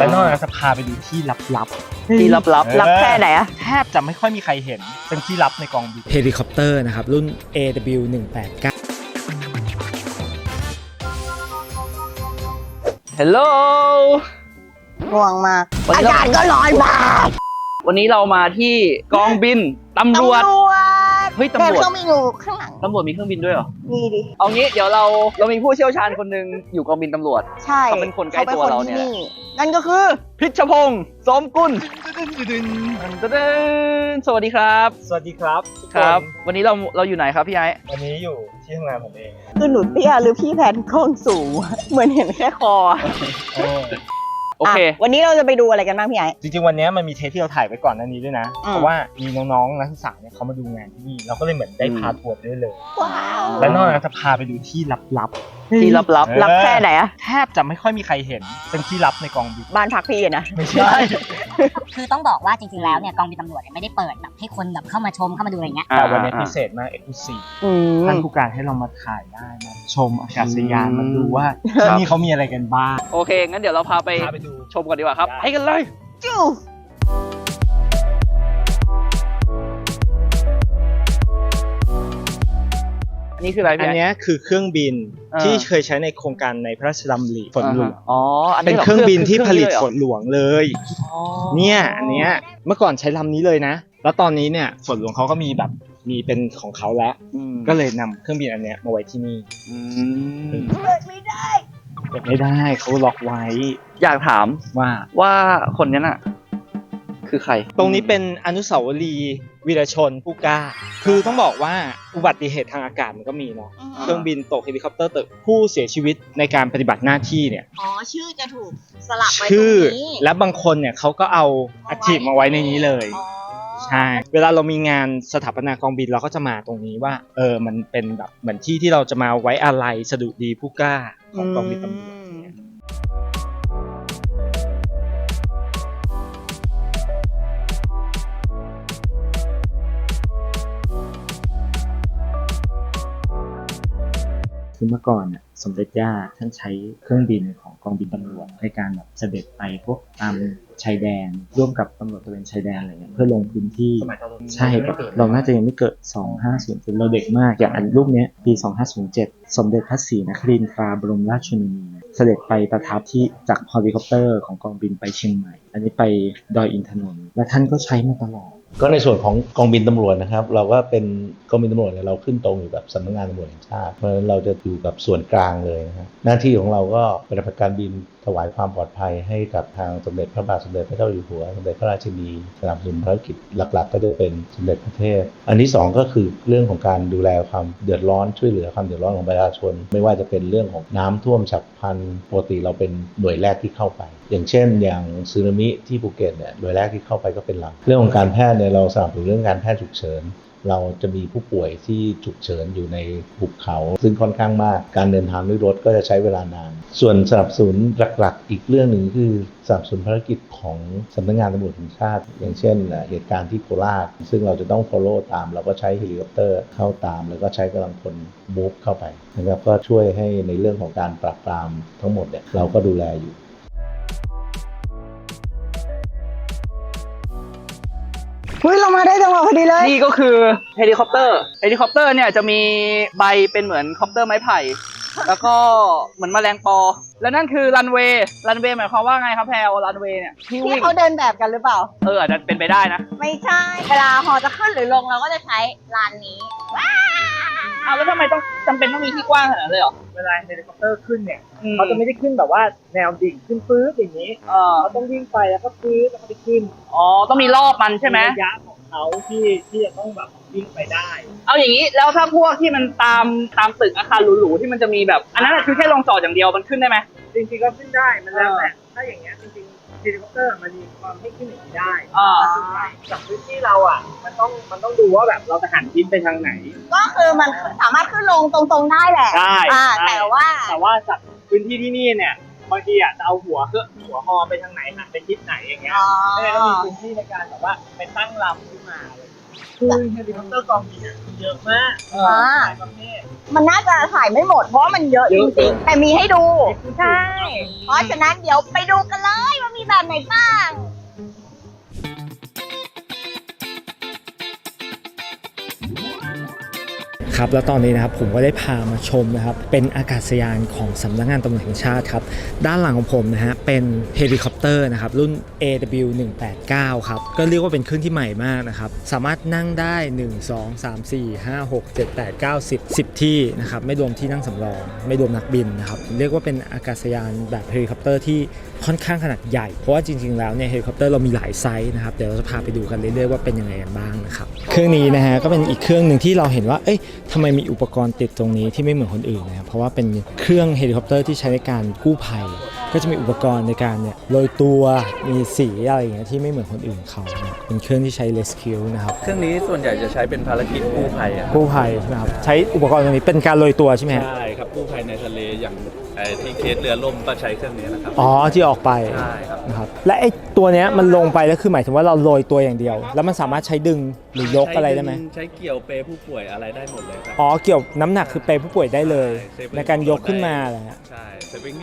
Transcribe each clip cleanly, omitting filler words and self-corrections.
และนอกจากจะพาไปดูที่ลับๆที่ลับๆลับแค่ไหนอะแทบจะไม่ค่อยมีใครเห็นเป็นที่ลับในกองบินเฮลิคอปเตอร์นะครับรุ่น AW189 ฮัลโหลง่วงมากอากาศก็ร้อนมากวันนี้เรามาที่กองบินตำรวจเฮ้ยตำรวจเครื่องบินอยู่ข้างหลังตำรวจมีเครื่องบินด้วยเหรอมีดิเอางี้เดี๋ยวเรามีผู้เชี่ยวชาญคนหนึ่งอยู่กองบินตำรวจใช่เขาเป็นคนใกล้ตัวเราเนี่ยนั่นก็คือพิชพงศ์สมกุลสวัสดีครับสวัสดีครับทุกคนครับ วันนี้เราอยู่ไหนครับพี่ไอ้วันนี้อยู่ที่ทำงานผมเองคือหนูเตี้ยหรือพี่แพนกล้องสูง เหมือนเห็นแค่คอโอเควันนี้เราจะไปดูอะไรกันบ้างพี่ไอ้จริงๆวันนี้มันมีเทปที่เราถ่ายไว้ก่อนหน้านี้ด้วยนะเพราะว่ามีน้องๆนักศึกษาเนี่ยเขามาดูงานที่นี่เราก็เลยเหมือนได้พาทัวร์ไปด้วยเลยว้าวและนอกจากจะพาไปดูที่ลับๆที่ลับลับแค่ไหนอะแทบจะไม่ค่อยมีใครเห็นเป็นที่ลับในกองบินบ้านพักพี่นะไม่ใช่คือต้องบอกว่าจริงๆแล้วเนี่ยกองบินตำรวจเนี่ยไม่ได้เปิดแบบให้คนแบบเข้ามาชมเข้ามาดูอะไรเงี้ยแต่วันนี้พิเศษมากเอ็กซ์คลูซีฟท่านผู้การให้เรามาถ่ายได้มาชมอากาศยานมาดูว่าที่นี่เขามีอะไรกันบ้างโอเคงั้นเดี๋ยวเราพาไปดูชมกันดีกว่าครับให้กันเลยจู้อันนี้คืออะไรอัพี่นไอ้นี้คือเครื่องบินอ่าที่เคยใช้ในโครงการในพระราชดำริฝนหลวงอ๋ออันเป็นนี้หเครื่องบินที่ผลิตเคฝรื่องนหลวงเลยอ๋อเนี่ยอันเนี้ยเมื่อก่อนใช้ลำนี้เลยนะ แล้วตอนนี้เนี่ยฝนหลวงเขาก็มีแบบมีเป็นของเขาแล้ว ก็เลยนำเครื่องบินอันเนี้ยมาไว้ที่นี่เปิดไม่ได้เปิดไม่ได้เขาล็อกไว้อยากถามว่าคนนี้น่ะ คือใครตรงนี้เป็นอนุสาวรีย์วีรชนผู้กล้า คือต้องบอกว่าอุบัติเหตุทางอากาศมันก็มีเนาะ เครื่องบินตกเฮลิคอปเตอร์ตกผู้เสียชีวิตในการปฏิบัติหน้าที่เนี่ยอ๋อชื่อจะถูกสลับไปตรงชื่อนี้และบางคนเนี่ยเขาก็เอาอัฐิมาไว้ในนี้เลยอ๋อใช่ เวลาเรามีงานสถาปนากองบินเราก็จะมาตรงนี้ว่ามันเป็นแบบเหมือนที่ที่เราจะมาไว้อาลัยสดุดีผู้กล้าของกองบินตำรวจ คือเมื่อก่อนเนี่ยสมเด็จย่าท่านใช้เครื่องบินของกองบินตำรวจในการแบบเสด็จไปพวกตามชายแดนร่วมกับตำรวจตระเวนชายแดนอะไรเงี้ยเพื่อลงพื้นที่ใช่ครับเราน่าจะยังไม่เกิด 2500เราเด็กมากอย่างอันรูปเนี้ยปี 2507 สมเด็จพระศรีนครินทราบรมราชชนนีเสด็จไปประทับที่จากเฮลิคอปเตอร์ของกองบินไปเชียงใหม่ อันนี้ไปดอยอินทนนท์และท่านก็ใช้มาตลอดก็ในส่วนของกองบินตำรวจนะครับเราก็เป็นกองบินตำรวจเนี่ยเราขึ้นตรงอยู่กับสำนักงานตำรวจแห่งชาติเพราะฉะนั้นเราจะอยู่กับส่วนกลางเลยนะครับหน้าที่ของเราก็ปฏิบัติการบินถวายความปลอดภัยให้กับทางสมเด็จพระบาทสมเด็จพระเจ้าอยู่หัวสมเด็จพระราชินีสนับสนุนภารกิจหลักๆก็จะเป็นสมเด็จพระเทพอันที่สองก็คือเรื่องของการดูแลความเดือดร้อนช่วยเหลือความเดือดร้อนของประชาชนไม่ว่าจะเป็นเรื่องของน้ำท่วมฉับพลันปกติเราเป็นหน่วยแรกที่เข้าไปอย่างเช่นอย่างสึนามิที่ภูเก็ตเนี่ยหน่วยแรกที่เข้าไปก็เป็นเราเรื่องของการแพทย์เนี่ยเราสนับสนุนเรื่องการแพทย์ฉุกเฉินเราจะมีผู้ป่วยที่ฉุกเฉินอยู่ในหุบเขาซึ่งค่อนข้างมากการเดินทางด้วยรถก็จะใช้เวลานานส่วนสนับสนุนหลักๆอีกเรื่องหนึ่งคือสนับสนุนภารกิจของสำนักงานตำรวจแห่งชาติอย่างเช่นเหตุการณ์ที่โคราชซึ่งเราจะต้อง follow ตามเราก็ใช้เฮลิคอปเตอร์เข้าตามแล้วก็ใช้กำลังพล move เข้าไปนะครับก็ช่วยให้ในเรื่องของการปราบปรามทั้งหมดเนี่ยเราก็ดูแลอยู่เฮ้ยเรามาได้จังหวะพอดีเลยนี่ก็คือเฮลิคอปเตอร์เนี่ยจะมีใบเป็นเหมือนคอปเตอร์ไม้ไผ่ แล้วก็เหมือนแมลงปอ แล้วนั่นคือรันเวย์หมายความว่าไงครับแพลรันเวย์เนี่ยที่ที่วิ่งเขาเดินแบบกันหรือเปล่าอาจจะเป็นไปได้นะไม่ใช่ เวลาฮอจะขึ้นหรือลงเราก็จะใช้ลานนี้เอาแล้วทำไมต้องจำเป็นต้องมีที่กว้างขนาดนั้นเลยเหรอเวลาเฮลิคอปเตอร์ขึ้นเนี่ยเขาจะไม่ได้ขึ้นแบบว่าแนวดิ่งขึ้นปื๊ดอย่างนี้เขาต้องวิ่งไปแล้วก็ปื๊ดแล้วก็ไปขึ้นอ๋อต้องมีรอบมันใช่ไหมระยะของเขาที่จะต้องแบบวิ่งไปได้เอาอย่างนี้แล้วถ้าพวกที่มันตามตึกอาคารหรูๆที่มันจะมีแบบอันนั้นคือแค่ลงจอดอย่างเดียวมันขึ้นได้ไหมจริงๆก็ขึ้นได้มันแล้วแต่ถ้าอย่างเงี้ยจริงๆเฮลิคอปเตอร์มันมีความให้ขึ้นอย่างนี้ได้จากพื้นที่เราอ่ะมันต้องดูว่าแบบเราจะหันทิศไปทางไหนก็คือมันสามารถขึ้นลงตรงๆได้แหละได้แต่ว่าจากพื้นที่ที่นี่เนี่ยบางทีอ่ะจะเอาหัวฮอไปทงไหนหันไปทิศไหนอย่างเงี้ยก็เลยต้องมีพื้นที่ในการแบบว่าไปตั้งลำขึ้นมาคือเฮลิคอปเตอร์กองบินมันเยอะมากหลายประเภทมันน่าจะถ่ายไม่หมดเพราะว่ามันเยอะจริงๆ แต่มีให้ดู ใช่ เพราะฉะนั้นเดี๋ยวไปดูกันเลยว่ามีมีแบบไหนบ้างครับแล้วตอนนี้นะครับผมก็ได้พามาชมนะครับเป็นอากาศยานของสำนักงานตำรวจแห่งชาติครับด้านหลังของผมนะฮะเป็นเฮลิคอปเตอร์นะครับรุ่น AW189 ครับก็เรียกว่าเป็นเครื่องที่ใหม่มากนะครับสามารถนั่งได้ 1 2 3 4 5 6 7 8 9 10ที่นะครับไม่รวมที่นั่งสำรองไม่รวมนักบินนะครับเรียกว่าเป็นอากาศยานแบบเฮลิคอปเตอร์ที่ค่อนข้างขนาดใหญ่เพราะว่าจริงๆแล้วเนี่ยเฮลิคอปเตอร์เรามีหลายไซส์นะครับเดี๋ยวเราจะพาไปดูกันเรื่อยๆว่าเป็นยังไงกันบ้างนะครับเครื่องนี้นะฮะก็เป็นอีกเครื่องหนึ่งที่เราเห็นว่าเอ้ยทำไมมีอุปกรณ์ติดตรงนี้ที่ไม่เหมือนคนอื่นนะครับเพราะว่าเป็นเครื่องเฮลิคอปเตอร์ที่ใช้ในการกู้ภัยก็จะมีอุปกรณ์ในการเนี่ยโรยตัวมีสีอะไรอย่างเงี้ยที่ไม่เหมือนคนอื่นเขานะเป็นเครื่องที่ใช้ rescue นะครับเครื่องนี้ส่วนใหญ่จะใช้เป็นภารกิจกู้ภัยอะกู้ภัยนะครับใช้อุปกรณ์ตรงนี้เป็นการโรยตัวใช่ไหมฮะใช่ครับกู้ภัยในทะเลอย่างที่เคสเรือล่มก็ใช้เครื่องนี้นะครับอ๋อที่ออกไปใช่ครับนะครับและไอ้ตัวเนี้ยมันลงไปแล้วคือหมายถึงว่าเราโรยตัวอย่างเดียว แล้วมันสามารถใช้ดึงหรือยกอะไรได้ไหมใช้เกี่ยวเปผู้ป่วยอะไรได้หมดเลยครับอ๋อเกี่ยวน้ำหนักคือเปผู้ป่วยได้เลยใช่ในการยกขึ้นมาอะไรเงี้ยใช่สวิง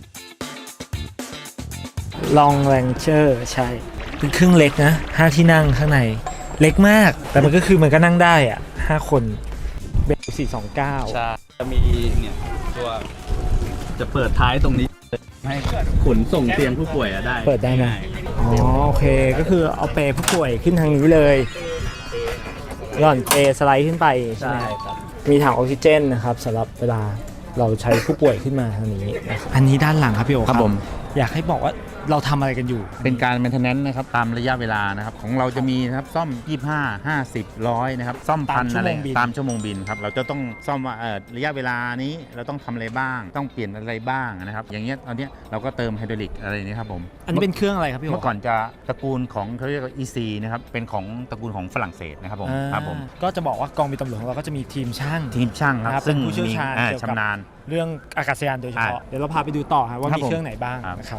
ลองแรงเชอร์ใช่เป็นเครื่องเล็กนะ5ที่นั่งข้างในเล็กมาก แต่มันก็คือมันก็นั่งได้อ่ะ5คนเบล429 ใช่จะมีเนี่ยตัวจะเปิดท้ายตรงนี้ให้ขนส่งเตียงผู้ป่วยอะได้เปิดได้นะง่ายอ๋อโอเคก็คือเอาเปผู้ป่วยขึ้นทางนี้เลยย่อนเปสไลด์ขึ้นไปใช่ใช่ไหมครับมีถังออกซิเจนนะครับสำหรับเวลาเราใช้ผู้ป่วยขึ้นมาทางนี้นะครับอันนี้ด้านหลังครับพี่โอครับผมอยากให้บอกว่าเราทำอะไรกันอยู่เป็นการ maintenance นะครับตามระยะเวลานะครับของเราจะมีนะครับซ่อม 25 50 100นะครับซ่อมพันอะไรตามชั่วโมงบินครับเราจะต้องซ่อมว่าระยะเวลานี้เราต้องทำอะไรบ้าง ต้องเปลี่ยนอะไรบ้างนะครับอย่างเงี้ยตอนเนี้ยเราก็เติมไฮดรอลิกอะไรนี้ครับผมอันนี้เป็นเครื่องอะไรครับพี่โอเมื่อก่อนจะตระกูลของเขาเรียกว่า EC นะครับเป็นของตระกูลของฝรั่งเศสนะครับผมอ่าครับผมก็จะบอกว่ากองบินตำรวจของเราก็จะมีทีมช่างทีมช่างคนะครัรับบ เป็นผู้เชี่ยวชาญมีเกี่ยวกับชำนาญเรื่องอากาศยานโดยเฉพาะเดี๋ยวเราพาไปดูต่อครับว่าครับมีผมเครื่องไหนบ้างครับนะครับ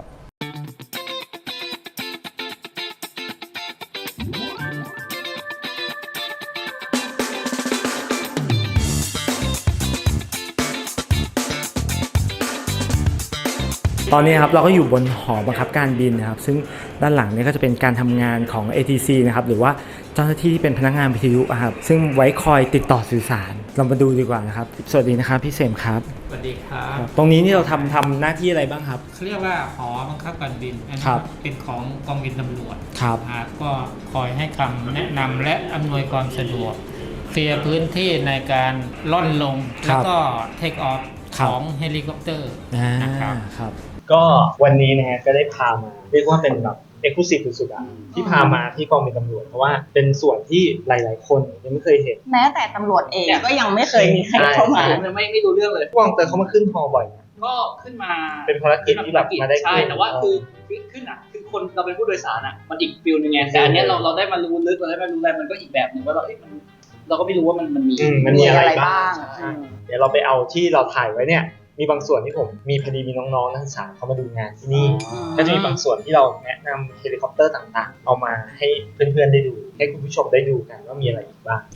ตอนนี้ครับเราก็อยู่บนหอบังคับการบินนะครับซึ่งด้านหลังเนี่ยก็จะเป็นการทำงานของ ATC นะครับหรือว่าเจ้าหน้าที่ที่เป็นพนักงานวิทยุอะครับซึ่งไว้คอยติดต่อสื่อสารเรามาดูดีกว่านะครับสวัสดีนะครับพี่เสมครับสวัสดีครับตรงนี้นี่เราทำหน้าที่อะไรบ้างครับเขาเรียกว่าหอบังคับการบินอันนี้ครับเป็นของกองบินตำรวจครับก็คอยให้คำแนะนำและอำนวยความสะดวกเคลียร์พื้นที่ในการล่อนลง แล้วก็เทคออฟของเฮลิคอปเตอร์นะครับครับก็วันนี้นะฮะก็ได้พามาเรียกว่าเป็นแบบเอกลุศิสุดๆอ่ะที่พามาที่กองบินตำรวจเพราะว่าเป็นส่วนที่หลายๆคนยังไม่เคยเห็นแม้แต่ตำรวจเองก็ยังไม่เคยมีใครเข้ามาไม่รู้เรื่องเลยพวกเตอร์เขามาขึ้นฮอบ่อยนะก็ขึ้นมาเป็นภารกิจที่แบบมาได้ใช่ขึ้นแต่ว่าคือขึ้นอ่ะคือคนเราเป็นผู้โดยสารอ่ะมันอีกฟิลนึงไงแต่อันเนี้ยเราได้มารู้ลึกเราได้มารู้อะไรมันก็อีกแบบหนึ่งว่าเราก็ไม่รู้ว่ามันมีมันมีอะไรบ้างใช่เดี๋ยวเราไปเอาที่เราถ่ายไว้เนี่ยมีบางส่วนที่ผมมีพอดีมีน้องๆนักศึกษาเขามาดูงานที่นี่ก็จะมีบางส่วนที่เราแนะนำเฮลิคอปเตอร์ต่างๆเอามาให้เพื่อนๆได้ดูให้คุณผู้ชมได้ดูกันว่ามีอะไรอีกบ้าง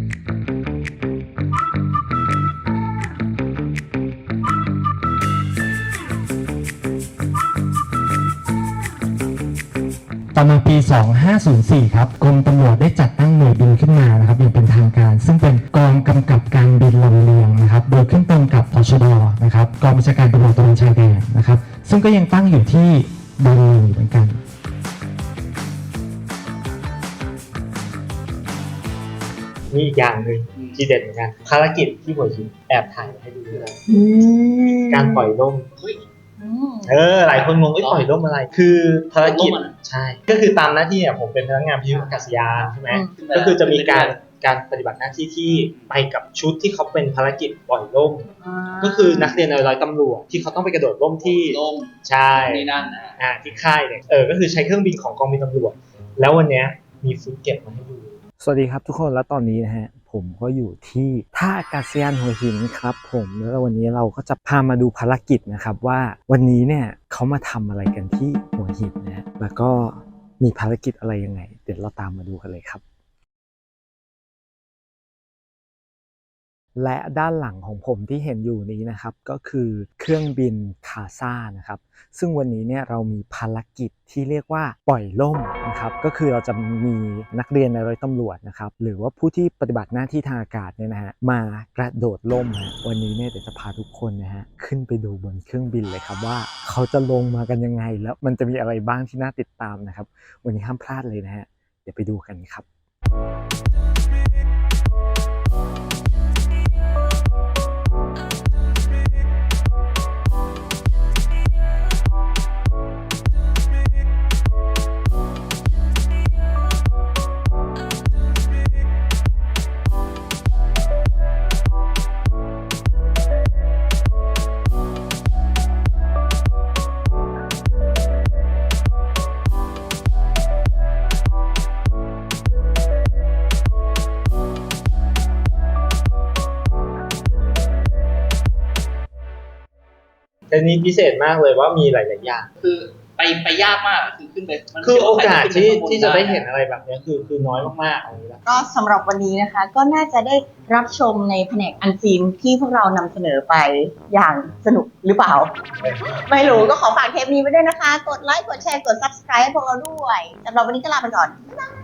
ต่อมาปี 2504 ครับกรมตำรวจได้จัดตั้งหน่วยบินขึ้นมานะครับอย่างเป็นทางการ ซึ่งเป็นกองกำกับการบินลำเลียงนะครับโดยขึ้นตรงกับตชดนะครับกองบัญชาการตำรวจตระเวนชายแดนนะครับซึ่งก็ยังตั้งอยู่ที่บางลีเหมือนกันนี่อีกอย่างหนึ่งที่เด็ดเหมือนกันภารกิจที่หัวหินแอบถ่ายให้ดูด้วยการปล่อยล่ม หลายคนงงว่าปล่อยร่มอะไร คือภารกิจใช่ ก็คือตามหน้าที่เนี่ยผมเป็นพนักงานพิอากาศยานใช่ไหมก็คือจะมีการปฏิบัติหน้าที่ที่ไปกับชุดที่เขาเป็นภารกิจปล่อยร่มก็คือนักเรียนในร้อยตำรวจที่เขาต้องไปกระโดดร่มที่ลงใช่นี่นั่นนะที่ค่ายเนี่ยก็คือใช้เครื่องบินของกองบินตำรวจแล้ววันนี้มีฟุตเก็บมาให้ดูสวัสดีครับทุกคนแล้วตอนนี้นะฮะผมก็อยู่ที่ท่าอากาศยานหัวหินครับผมแล้ววันนี้เราก็จะพามาดูภารกิจนะครับว่าวันนี้เนี่ยเขามาทำอะไรกันที่หัวหินนะแล้วก็มีภารกิจอะไรยังไงเดี๋ยวเราตามมาดูกันเลยครับและด้านหลังของผมที่เห็นอยู่นี้นะครับก็คือเครื่องบินคาซ่านะครับซึ่งวันนี้เนี่ยเรามีภารกิจที่เรียกว่าปล่อยล่มนะครับก็คือเราจะมีนักเรียนในร้อยตำรวจนะครับหรือว่าผู้ที่ปฏิบัติหน้าที่ทางอากาศเนี่ยนะฮะมากระโดดล่มฮะวันนี้เนี่ยเดี๋ยวจะพาทุกคนนะฮะขึ้นไปดูบนเครื่องบินเลยครับว่าเขาจะลงมากันยังไงแล้วมันจะมีอะไรบ้างที่น่าติดตามนะครับวันนี้ห้ามพลาดเลยนะฮะเดี๋ยวไปดูกันครับแต่นี้พิเศษมากเลยว่ามีหลายๆอย่างคือไปยากมากคือขึ้นไปมันคือโอกาสที่จะได้เห็เห็นนอะไรแบบนี้คือน้อยมากๆอะไรแบบก็สำหรับวันนี้นะคะ ก็น่าจะได้รับชมในแผนกอันซีนที่พวกเรานำเสนอไปอย่างสนุกหรือเปล่า ไม่รู้ก็ขอฝากเทปนี้ไว้ด้วยนะคะ กดไลค์กดแชร์กด subscribe ให้พวกเราด้วยสำหรับวันนี้ก็ลาไปก่อนบ๊ายบาย